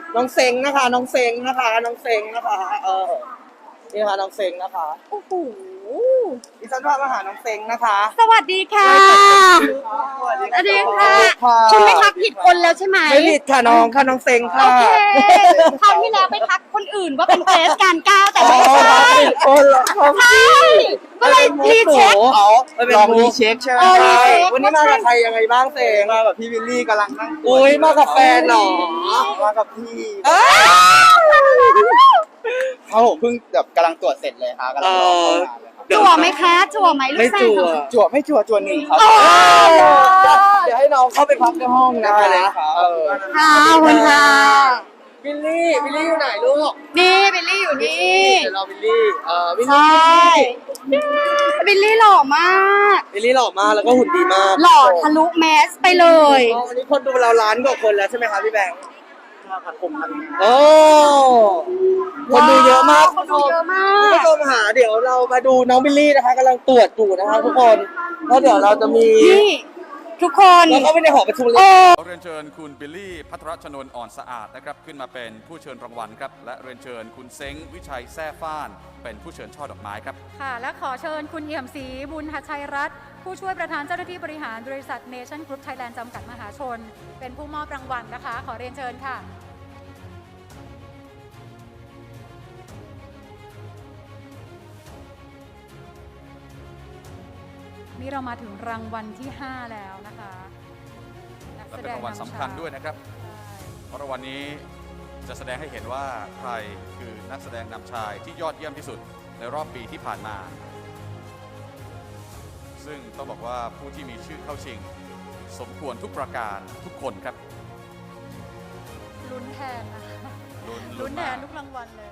น้องเซ็งนะคะน้องเซ็งนะคะน้องเซ็งนะคะนี่ค่ะน้องเซ็งนะคะโอ้โหดิฉันพามาหาน้องเซ็งนะคะสวัสดีค่ะสวัสดีค่ะคุณไม่ทักผิดคนแล้วใช่ไหมไม่ผิดค่ะน้องค่ะน้องเซ็งโอค่ะเคคราวที่แล้วไปทักคนอื่นว่าเป็นเกรซการก้าวแต่ไม่ใช่คนละคนใช่ก็เลยรีเช็คลองรีเช็คใช่ไหมรีเช็ควันนี้มากับใครยังไงบ้างเซ็งมาแบบพี่วิลลี่กำลังนั่งอุ้ยมากับแฟนเหรอมากับพี่เอ้ยเขาผมเพิ่งแบบกำลังตรวจเสร็จเลยครับกำลังรอเข้างานเลยครับจั่วไหมคะจั่วไหมลูไม่กแฟนจั่วจั่วไม่จั่วจั่วหนึ่งครับเดี๋ยวให้น้องเข้าไปพักในห้องนะคะได้เลยครับค่ะขอบคุณค่ะบิลลี่อยู่ไหนลูกนี่บิลลี่อยู่นี่เดี๋ยวเราบิลลี่บิลใชลี่่บิลลี่หล่อมากบิลลี่หล่อมากแล้วก็หุ่นดีมากหล่อทะลุแมสไปเลยวันนี้คนดูเราล้านกว่าคนแล้วใช่ไหมคะพี่แบงค์ผัดผมพันโอ้คนดูเยอะมากคนดูเยอะมาคุณกผู้ชมหาเดี๋ยวเรามาดูน้องบิลลี่นะคะกำลังตรวจอยู่นะคะทุกคนแล้วเดี๋ยวเราจะมีนี่ทุกคนแล้วก็ไปในหอประชุมเลยเรียนเชิญคุณบิลลี่พัทรชนนท์อ่อนสะอาดนะครับขึ้นมาเป็นผู้เชิญรางวัลครับและเรียนเชิญคุณเซ้งวิชัยแซ่ฟ้านเป็นผู้เชิญช่อดอกไม้ครับค่ะและขอเชิญคุณเอี่ยมศรีบุญหชัยรัตน์ผู้ช่วยประธานเจ้าหน้าที่บริหารบริษัทเนชั่นกรุ๊ปไทยแลนด์จำกัดมหาชน เป็นผู้มอบรางวัลนะคะ ขอเรียนเชิญค่ะ นี่เรามาถึงรางวัลที่ 5 แล้วนะคะนักและแสเป็นดงรางวัลนำสำคัญชาด้วยนะครับเพราะรางวัลนี้จะแสดงให้เห็นว่าใครคือนักแสดงนำชายที่ยอดเยี่ยมที่สุดในรอบปีที่ผ่านมา ซึ่งต้องบอกว่าผู้ที่มีชื่อเข้าชิง สมควรทุกประการทุกคนครับลุ้นแทนนะคะลุ้นลุ้นแทมากนทุกรางวัลเลย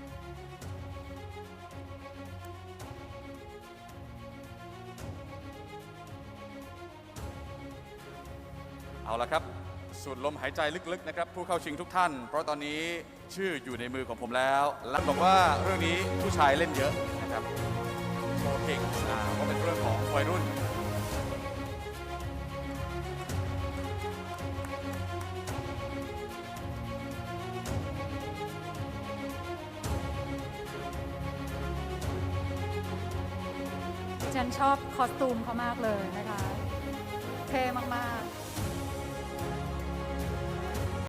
เอาละครับสูดลมหายใจลึกๆนะครับผู้เข้าชิงทุกท่าน เพราะตอนนี้ชื่ออยู่ในมือของผมแล้วและบอกว่าเรื่องนี้ผู้ชายเล่นเยอะนะครับโชว์เก่งก็เป็นเรื่องของวัยรุ่นฉันชอบคอสตูมเขามากเลยนะคะ เท่มาก ๆ